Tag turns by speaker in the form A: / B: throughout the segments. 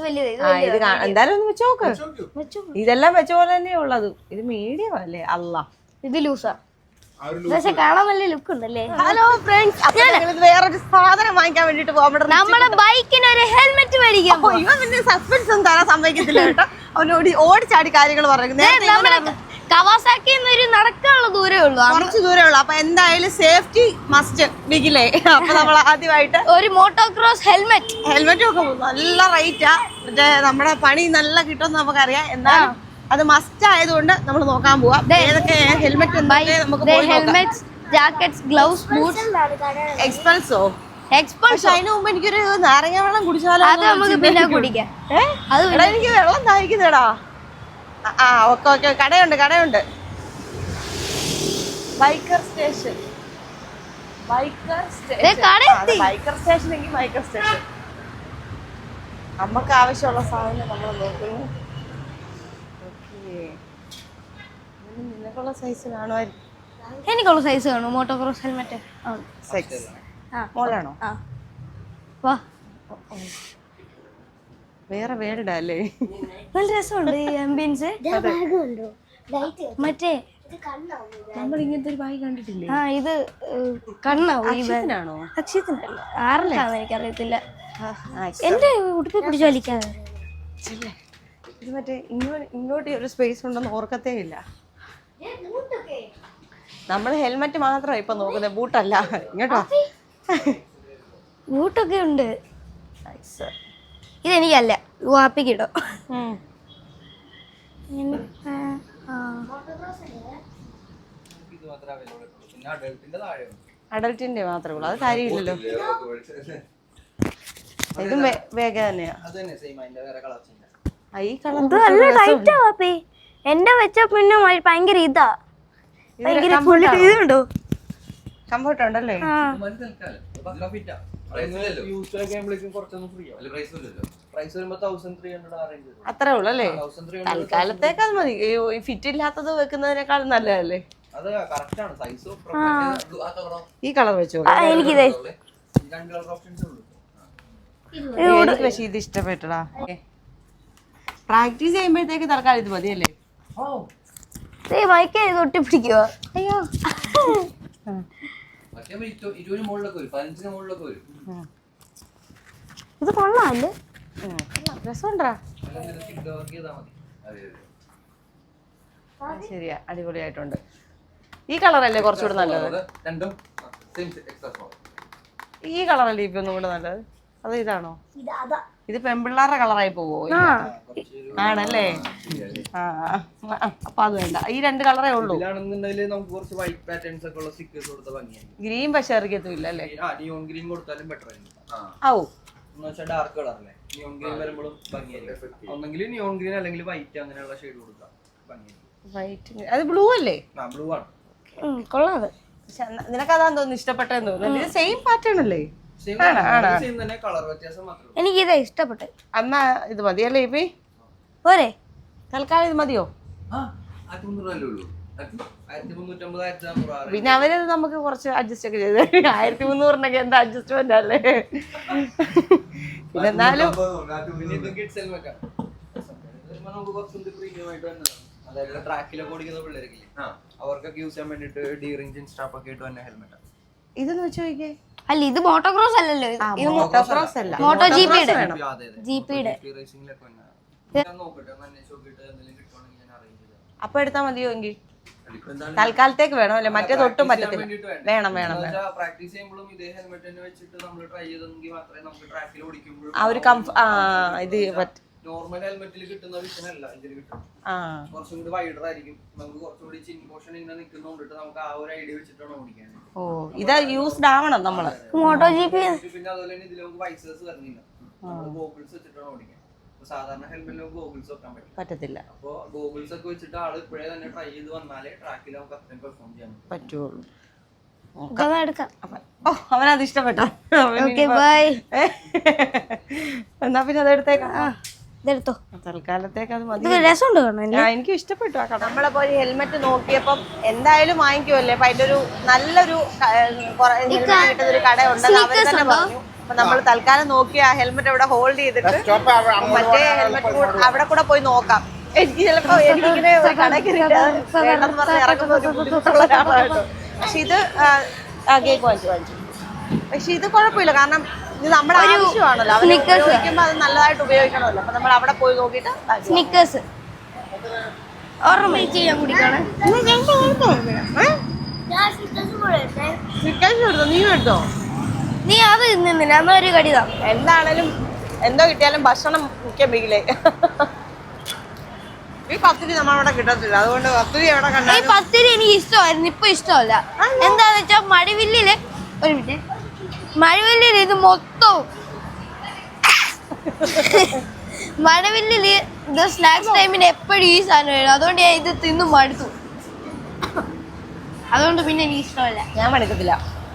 A: എന്തായാലും ഒന്ന് വെച്ച് നോക്ക്. ഇതെല്ലാം വെച്ച പോലെ തന്നെ ഉള്ളത്. ഇത് മീഡിയം അല്ലേ? അല്ല
B: ഇത് ലൂസാ, പക്ഷെ കാണാൻ നല്ല ലുക്ക് ഉണ്ടല്ലേ.
A: ഹലോ ഫ്രണ്ട്സ്, വേറൊരു സാധനം വാങ്ങിക്കാൻ വേണ്ടിട്ട്
B: നമ്മുടെ ബൈക്കിന് ഒരു ഹെൽമെറ്റ് മേടിക്കാം.
A: ഇവൻ സസ്പെൻസ് ഒന്നും തരാൻ സമ്മതിക്കത്തില്ല കേട്ടോ. അവനോട് ഓടിച്ചാടി കാര്യങ്ങൾ പറയുന്നത്.
B: കവാസാക്കി ഒരു നടക്കാനുള്ള ദൂരേ ഉള്ളൂ,
A: കുറച്ച് ദൂരേ ഉള്ളൂ. അപ്പൊ എന്തായാലും സേഫ്റ്റി മസ്റ്റ് ബിഗിലേ. അപ്പൊ നമ്മൾ ആദ്യമായിട്ട്
B: ഒരു മോട്ടോക്രോസ്
A: ഹെൽമെറ്റ് ഒക്കെ നല്ല റേറ്റാ. മറ്റേ നമ്മുടെ പണി നല്ല കിട്ടുമെന്ന് നമുക്കറിയാം. എന്തായാലും അത് മസ്റ്റ് ആയതുകൊണ്ട് നമ്മൾ നോക്കാൻ പോവാം. ഏതൊക്കെ helmet
B: helmet, jackets, gloves, boots.
A: എക്സ്പൾസോ? പക്ഷെ അതിന് മുമ്പ് എനിക്കൊരു നാരങ്ങ വെള്ളം കുടിച്ചാലോ?
B: അത് നമുക്ക് പിന്നെ കുടിക്കാം.
A: എനിക്ക് വെള്ളം ദാഹിക്കുന്നേടാ. ഓക്കെ ഓക്കെ, കടയുണ്ട്. ബൈക്കർ സ്റ്റേഷൻ നമുക്ക് ആവശ്യമുള്ള സാധനം നമ്മൾ നോക്കുന്നു. നിനക്കുള്ള സൈസ് കാണുമായിരിക്കും.
B: എനിക്കുള്ള സൈസ് കാണും. മോട്ടോക്രോസ് ഹെൽമെറ്റ്
A: മോളാണോ? വേറെ വേർഡാ അല്ലേ?
B: നല്ല രസമുണ്ട് ഈ ആംബിയൻസ്. മറ്റേ
A: നമ്മൾ ഇങ്ങനത്തെ ഒരു ബാഗ് കണ്ടിട്ടില്ലേ?
B: ഇത് കണ്ണാവോ?
A: അക്ഷയത്തിനല്ല,
B: ആറിലാന്ന് എനിക്കറിയത്തില്ല. എന്റെ ഉടുപ്പി പിടിച്ചു വലിക്കാതെ.
A: ഇത് മറ്റേ ഇങ്ങോട്ട് ഒരു സ്പേസ് ഉണ്ടെന്ന് ഓർക്കത്തേ ഇല്ല. നമ്മൾ ഹെൽമെറ്റ് മാത്രമാണ് ഇപ്പൊ നോക്കുന്നത്, ബൂട്ടല്ല. ഇങ്ങോട്ടോ
B: ബൂട്ടൊക്കെ ഉണ്ട്. ഇതെനിക്കല്ല, വാപ്പിക്കിടോ.
A: അഡൽട്ടിന്റെ മാത്രമേ ഉള്ളൂ, അത് കാര്യമില്ലല്ലോ. ഇതും വേഗം തന്നെയാ. ഈ കളർ
B: നല്ല ടൈറ്റാ വാപ്പി. എന്റെ വെച്ച പിന്നെ ഭയങ്കര ഇതാ, ഇതുണ്ടോ?
A: കംഫർട്ട് ഉണ്ടല്ലേ? അത്രേ ഉള്ളൂ അല്ലേ? തൽക്കാലത്തേക്ക് അത് മതി. ഫിറ്റ് ഇല്ലാത്തത് വെക്കുന്നതിനേക്കാൾ നല്ലതല്ലേ? ഈ കളർ വെച്ചോ.
B: എനിക്കിതേ
A: പക്ഷെ ഇത് ഇഷ്ടപ്പെട്ടടാ. പ്രാക്ടീസ് ചെയ്യുമ്പോഴത്തേക്ക് തൽക്കാലം ഇത് മതിയല്ലേ?
B: മൈക്ക് തൊട്ടി പിടിക്കുക. അയ്യോ, ഇത് കൊള്ളാല്ലേ?
A: രസമുണ്ടാ? ശരിയാ, അടിപൊളിയായിട്ടുണ്ട്. ഈ കളറല്ലേ കുറച്ചുകൂടെ നല്ലത്? ഈ കളറല്ലേ ഇപ്പൊ ഒന്നും കൂടെ നല്ലത്? അത് ഇതാണോ? ഇത് പെൺപിള്ളാരുടെ കളറായി പോവോ? ആണല്ലേ? അപ്പൊ അത് വേണ്ട. ഈ രണ്ട് കളറേ ഉള്ളൂ. ഗ്രീൻ പക്ഷെ ഇറക്കിയത്തില്ല അല്ലേ? ഓ,
C: ഡാർക്ക് കളറല്ലേ? നിയോൺ ഗ്രീൻ വരുമ്പോഴും ഭംഗിയായിരിക്കും. ഒന്നെങ്കിൽ നിയോൺ ഗ്രീൻ അല്ലെങ്കിൽ വൈറ്റ്, അങ്ങനെയുള്ള ഷെയ്ഡ് കൊടുക്കാം.
A: വൈറ്റ്. അത് ബ്ലൂ അല്ലേ?
C: ബ്ലൂ ആണ്.
A: കൊള്ളാതെ. നിനക്കതാന്ന് തോന്നുന്നു ഇഷ്ടപ്പെട്ടെന്ന് തോന്നുന്നു. ഇത് സെയിം പാറ്റേൺ അല്ലേ?
B: എനിക്ക് ഇതാ ഇഷ്ടപ്പെട്ടെ.
A: എന്നാ ഇത് മതിയല്ലേ ഇപ്പി?
B: പോരെ,
A: തൽക്കാലം ഇത് മതിയോ? പിന്നെ അവരത് നമുക്ക് കുറച്ച് അഡ്ജസ്റ്റ് ഒക്കെ ചെയ്ത് 1300 എന്താ അഡ്ജസ്റ്റ്മെന്റ് അല്ലേ? പിന്നെ എന്നാലും
C: ട്രാക്കിലൊക്കെ ഓടിക്കുന്ന പിള്ളേർക്കില്ലേ, അവർക്കൊക്കെ യൂസ് ചെയ്യാൻ വേണ്ടിട്ട് ഡീറിംഗ് സ്റ്റാഫ് ഒക്കെ ഇട്ട് തന്നെ ഹെൽമെറ്റ്.
A: ഇതെന്ന് വെച്ച് നോക്കിയേ.
B: അല്ല, ഇത് മോട്ടോക്രോസ് അല്ലല്ലോ. ഇത്
A: മോട്ടോക്രോസ് അല്ല,
B: മോട്ടോ ജിപിയുടെ.
A: അപ്പൊ എടുത്താ മതിയോ? എങ്കിൽ തൽക്കാലത്തേക്ക് വേണം അല്ലേ? മറ്റേത് ഒട്ടും പറ്റത്തില്ല. വേണം.
C: പ്രാക്ടീസ് ചെയ്യുമ്പോഴും ഇതേ ഹെൽമെറ്റ് തന്നെ വെച്ചിട്ട് നമ്മൾ ട്രൈ ചെയ്തെങ്കിൽ മാത്രമേ നമുക്ക് ട്രാക്കിൽ ഓടിക്കുമ്പോൾ
A: ആ ഒരു ഇത്
C: നോർമൽ ഹെൽമെറ്റിൽ കിട്ടുന്ന വിഷൻ അല്ല ഇതിൽ കിട്ടും. കുറച്ചും കൂടി വൈഡർ ആയിരിക്കും. നമുക്ക് കുറച്ചുകൂടി ചിൻ പോർഷൻ ഇങ്ങനെ നിൽക്കുന്നുണ്ടിട്ട് നമുക്ക് ആ ഒരു ഐഡിയ വെച്ചിട്ടാണ് ഓടിക്കാൻ.
A: ഓ, ഇത് യൂസ്ഡ് ആവണം നമ്മള്.
B: Moto GP.
C: പിന്നെ അതുപോലെ തന്നെ ഇതിൽ നമുക്ക് വൈസേഴ്സ് വരുന്നില്ല. ഗോഗിൾസ് വെച്ചിട്ടാണ് ഓടിക്കാൻ. സാധാരണ ഹെൽമെറ്റിൽ നമുക്ക് ഗോഗിൾസ് വെക്കാൻ
A: പറ്റത്തില്ല.
C: അപ്പോൾ ഗോഗിൾസ് ഒക്കെ വെച്ചിട്ട് ആള് ഇപ്പോഴേ തന്നെ ട്രൈ ചെയ്ത് വന്നാലേ ട്രാക്കിൽ നമുക്ക് അത്രയും പെർഫോം ചെയ്യാൻ
A: പറ്റുള്ളൂ.
B: അവനത്
A: ഇഷ്ടപ്പെട്ടോ?
B: എന്നാ
A: പിന്നെ അതെടുത്തേക്കാം.
B: തൽക്കാലത്തേക്ക് അത് മതി.
A: എനിക്ക് ഇഷ്ടപ്പെട്ടു ആ കട. നമ്മളെ പോലെ ഹെൽമെറ്റ് നോക്കിയപ്പം എന്തായാലും വാങ്ങിക്കുമല്ലേ? അപ്പൊ അതിന്റെ ഒരു നല്ലൊരു കിട്ടുന്നൊരു കട ഉണ്ടെന്ന് അവർ തന്നെ പറഞ്ഞു. അപ്പൊ നമ്മൾ തൽക്കാലം നോക്കി ആ ഹെൽമെറ്റ് അവിടെ ഹോൾഡ് ചെയ്തിട്ട് മറ്റേ ഹെൽമെറ്റ് അവിടെ കൂടെ പോയി നോക്കാം. എനിക്ക് ചിലപ്പോ എനിക്കിങ്ങനെ ഒരു കടയ്ക്ക് വേണ്ടെന്ന് പറഞ്ഞ് ഇറങ്ങുന്ന ഒരു ബുദ്ധിമുട്ടുള്ള ഒരാളായിട്ടോ. പക്ഷെ ഇത് കേക്ക് വാങ്ങിച്ചു. പക്ഷെ ഇത് കുഴപ്പമില്ല, കാരണം ഇത് നമ്മുടെ ആവശ്യമാണല്ലോ. അവർ ഉപയോഗിക്കുമ്പോൾ അത് നല്ലതായിട്ട് ഉപയോഗിക്കണമല്ലോ. അപ്പൊ നമ്മൾ അവിടെ പോയി നോക്കിയിട്ട്
B: സ്നിക്കേഴ്സ് കുടിക്കണം.
A: നീ എടുത്തോ?
B: നീ അത് നിന്നില്ല, അമ്മ ഒരു കടിതാ.
A: എന്താണേലും എന്തോ കിട്ടിയാലും ഭക്ഷണം മുഖ്യം ബിഗിലേ. ഈ പത്തിരി നമ്മളവിടെ കിട്ടത്തില്ല, അതുകൊണ്ട് പത്തിരി എവിടെ കണ്ടാ.
B: ഈ പത്തിരി എനിക്ക് ഇഷ്ടമായിരുന്നു, ഇപ്പൊ ഇഷ്ടമല്ല. എന്താന്ന് വെച്ചാ മഴവില്ലില് ഇത് മൊത്തവും മഴവില്ലില് ഇത് സ്നാക്സ് ടൈമിന് എപ്പോഴും ഈ സാധനം വരും. അതുകൊണ്ട് ഞാൻ ഇത് തിന്നു മടുത്തു. അതുകൊണ്ട് പിന്നെ എനിക്ക് ഇഷ്ടമല്ല.
A: ഞാൻ മടുക്കത്തില്ല.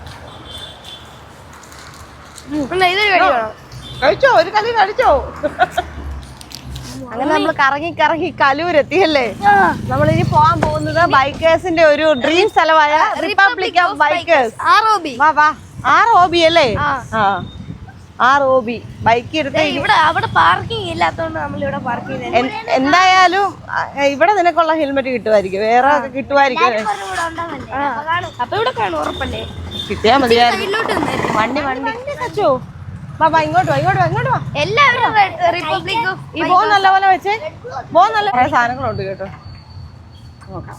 B: ഇതൊരു കടി വേണം.
A: കഴിച്ചോ, ഒരു കലി കഴിച്ചോ. അങ്ങനെ നമ്മൾ കറങ്ങി കലൂരെത്തിയല്ലേ. നമ്മളിനി പോകാൻ പോകുന്നത് ബൈക്കേഴ്സിന്റെ ഒരു ഡ്രീം സ്ഥലമായ റിപ്പബ്ലിക് ഓഫ് ബൈക്കേഴ്സ്. വാ ROB അല്ലേ? ROB ബൈക്ക് എടുത്ത്
B: ഇവിടെ അവിടെ പാർക്കിംഗ് ഇല്ലാത്തതുകൊണ്ട് നമ്മൾ ഇവിടെ പാർക്ക് ചെയ്ത്.
A: എന്തായാലും ഇവിടെ നിനക്കുള്ള ഹെൽമെറ്റ് കിട്ടുമായിരിക്കും, വേറെ കിട്ടുമായിരിക്കും.
B: അപ്പൊ ഇവിടെ കാണും ഉറപ്പല്ലേ?
A: കിട്ടിയാ മതിയായിരുന്നു. വണ്ടി വെച്ചോ. ബാബാ ഇങ്ങോട്ട് വാ.
B: എല്ലാവരും റിപ്പബ്ലിക്
A: ഈ ബോ നല്ല പോലെ വെച്ചേ. ബോ നല്ല കുറെ സാധനങ്ങളുണ്ട് കേട്ടോ. നോക്കാം.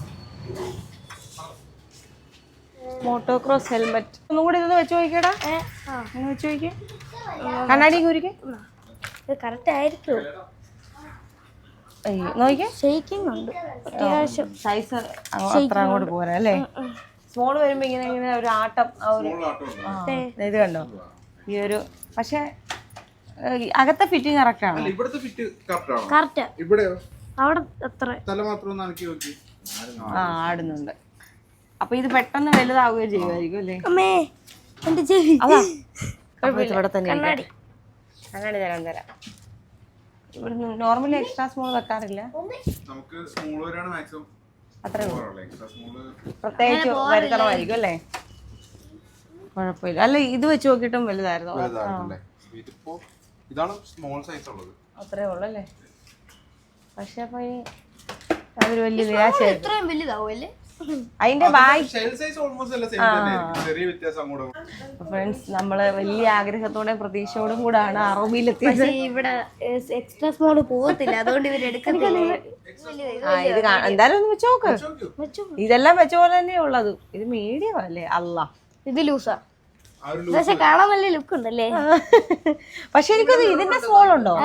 A: മോട്ടോക്രോസ് ഹെൽമെറ്റ് ഒന്നും കൂടി ഇത് വെച്ച് നോക്കിയടാ. വെച്ച് നോക്കിയേ. കണ്ണാടി കൂരിക്കേ.
B: ഇത് കറക്റ്റ് ആയിരിക്കും.
A: നോക്കിയേ.
B: ഷെയ്ക്കിംഗ് ഉണ്ട് അത്യാവശ്യം.
A: സൈസ് അത്ര അങ്ങോട്ട് പോരാ അല്ലേ? സ്മോൾ വരുമ്പോ ഇങ്ങനെ ഒരു ആട്ടം. ഇത് കണ്ടോ ഈ ഒരു. പക്ഷെ അകത്തെ ഫിറ്റിംഗ് കറക്റ്റ് ആണ്.
D: ഇവിടുത്തെ ഫിറ്റ് കറക്റ്റ്
B: കറക്റ്റ്.
D: ഇവിടെയോ?
B: അവിടെ എത്ര
D: തല മാത്രം ഒന്ന് അനക്കി നോക്കി.
A: ആടുന്നുണ്ട്. അപ്പൊ ഇത് പെട്ടെന്ന് വലുതാവുകയും ചെയ്യുമായിരിക്കും അല്ലേ?
B: അമ്മേ എന്റെ ചെവി.
A: ഇവിടെ തന്നെ കണ്ണാടി തരാം. ഇവിടെ നോർമലി എക്സ്ട്രാ സ്മോൾ വെക്കാറില്ല.
D: നമുക്ക് സ്മോൾ വരാണ് മാക്സിമം.
A: അത്രേ
D: എക്സ്ട്രാ സ്മോൾ
A: പ്രത്യേകിച്ച് വരുത്തണമായിരിക്കും അല്ലേ? കുഴപ്പമില്ല. അല്ല ഇത് വെച്ച് നോക്കിയിട്ടും വലുതായിരുന്നു.
D: ഇതിപ്പോ ഇതാണ് സ്മോൾ സൈസ് ഉള്ളത്.
A: അത്രേ ഉള്ളു അല്ലേ? പക്ഷെ അപ്പൊ അതൊരു വലിയ നിരാശയായിരുന്നു.
B: ഇത്രയും വലുതാവും അല്ലേ?
A: അതിന്റെ ഫ്രണ്ട്സ് നമ്മള് വലിയ ആഗ്രഹത്തോടെ പ്രതീക്ഷയോടും കൂടാണ് ROBയിലെത്തിയത്.
B: ഇവിടെ എക്സ്ട്രാ സ്മോൾ പോകത്തില്ല, അതുകൊണ്ട് ഇവരെടുക്കുന്നില്ല.
A: ഇത് എന്തായാലും ഒന്ന് വെച്ച് നോക്ക്. ഇതെല്ലാം വെച്ച പോലെ തന്നെ ഉള്ളത്. ഇത് മീഡിയം അല്ലേ? അല്ല
B: ഇത് ലൂസാ, പക്ഷെ കാണാൻ നല്ല ലുക്ക് ഉണ്ടല്ലേ.
A: പക്ഷെ എനിക്കത് ഇതിന്റെ സ്മോൾ ഉണ്ടോ?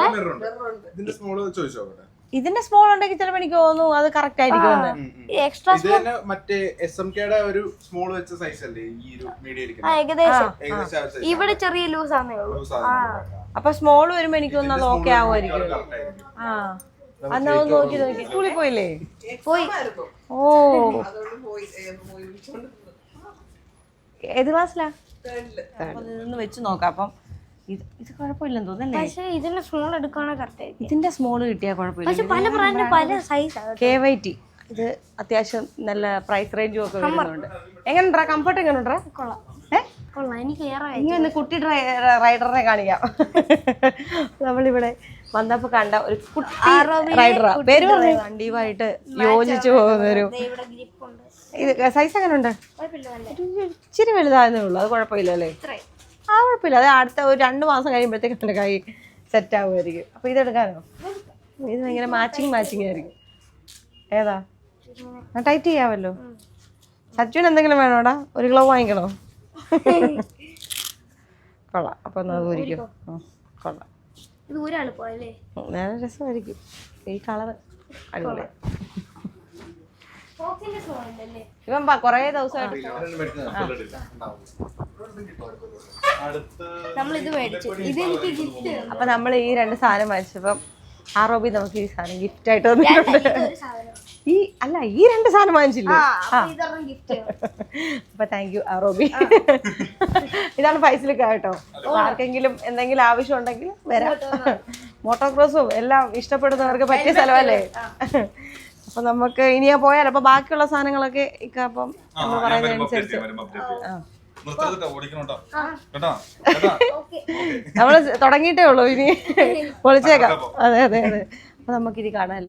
A: ഇതിന്റെ സ്മോൾ ഉണ്ടെങ്കിൽ ചിലപ്പോൾ എനിക്ക് തോന്നുന്നു അത് കറക്റ്റ് ആയിരിക്കും.
B: എക്സ്ട്രാ
D: മറ്റേ SMKയുടെ ഒരു സ്മോൾ വെച്ച സൈസ് അല്ലേ ഈ ഒരു മീഡിയം?
B: ഏകദേശം ഇവിടെ ചെറിയ ലൂസ് ആണേ ഉള്ളൂ.
A: അപ്പൊ സ്മോൾ വരുമ്പോ എനിക്ക് തോന്നുന്നു അത് ഓക്കെ ആവുമായിരിക്കും. അന്ന് നോക്കി സ്കൂളിൽ പോയില്ലേ?
B: പോയി.
A: ഓ ഏത് ക്ലാസ്സിലാ? ഇതൊന്ന് വെച്ച് നോക്കാം. അപ്പം ഇത് കുഴപ്പമില്ലെന്ന് തോന്നുന്നല്ലേ?
B: പക്ഷേ ഇതിന്റെ സ്മോൾ എടുക്കാണോ കറക്റ്റ് ആയിരിക്കും.
A: ഇതിന്റെ സ്മോൾ കിട്ടിയാൽ കുഴപ്പമില്ല.
B: പക്ഷെ പല ബ്രാൻഡിന് പല സൈസാണ്.
A: KYT ഇത് അത്യാവശ്യം നല്ല പ്രൈസ് റേഞ്ചും ഒക്കെ വരുന്നുണ്ട്. എങ്ങനെയുണ്ടാ? കംഫർട്ട് എങ്ങനെയുണ്ടാ?
B: കൊള്ളാം. എനിക്ക്
A: ഇനി ഒന്ന് കുട്ടി റൈഡറിനെ കാണിക്കാം. നമ്മളിവിടെ വന്നപ്പോ കണ്ട ഒരു കുട്ടി റൈഡറാ. പേര് പറഞ്ഞു. വണ്ടിയുമായിട്ട് യോജിച്ചു പോകുന്നൊരു. ഇത് സൈസ് എങ്ങനെയുണ്ട്? ഇച്ചിരി വലുതായെന്നേ ഉള്ളൂ. അത് കുഴപ്പമില്ല അല്ലേ? കുഴപ്പമില്ല. അത് അടുത്ത ഒരു 2 മാസം കഴിയുമ്പോഴത്തേക്ക് എൻ്റെ കൈ സെറ്റ് ആവുമായിരിക്കും. അപ്പൊ ഇതെടുക്കാനോ? ഇത് ഭയങ്കര മാച്ചിങ് ആയിരിക്കും. ഏതാ? ടൈറ്റ് ചെയ്യാമല്ലോ. സച്ചുവിന് എന്തെങ്കിലും വേണോടാ? ഒരു ഗ്ലൗ വാങ്ങിക്കണോ? കൊള്ളാം. അപ്പൊ ഒന്ന് അത് ഊരിക്കും. കൊള്ളാം. നല്ല രസമായിരിക്കും. ഈ കളർ അടിപൊളി. ഇവൻ കൊറേ ദിവസമായിട്ട് അപ്പൊ നമ്മൾ ഈ 2 സാധനം വാങ്ങിച്ചപ്പം ROB നമുക്ക് ഈ സാധനം ഗിഫ്റ്റ് ആയിട്ട് തന്നിട്ടുണ്ട്. ഈ 2 സാധനം വാങ്ങിച്ചില്ലേ? അപ്പൊ താങ്ക് യു ROB. ഇതാണ് ഫൈസലിക്ക കേട്ടോ. ആർക്കെങ്കിലും എന്തെങ്കിലും ആവശ്യം ഉണ്ടെങ്കിൽ വരാം. മോട്ടോക്രോസും എല്ലാം ഇഷ്ടപ്പെടുന്നവർക്ക് പറ്റിയ സ്ഥലമല്ലേ? അപ്പൊ നമുക്ക് ഇനിയാ പോയാലോ? അപ്പൊ ബാക്കിയുള്ള സാധനങ്ങളൊക്കെ ഇപ്പം നമ്മൾ പറയുന്നതനുസരിച്ച് നമ്മള് തുടങ്ങിയിട്ടേ ഉള്ളൂ ഇനി പൊളിച്ചേക്കാം. അതെ അതെ അതെ. അപ്പൊ നമുക്കിനി കാണാം.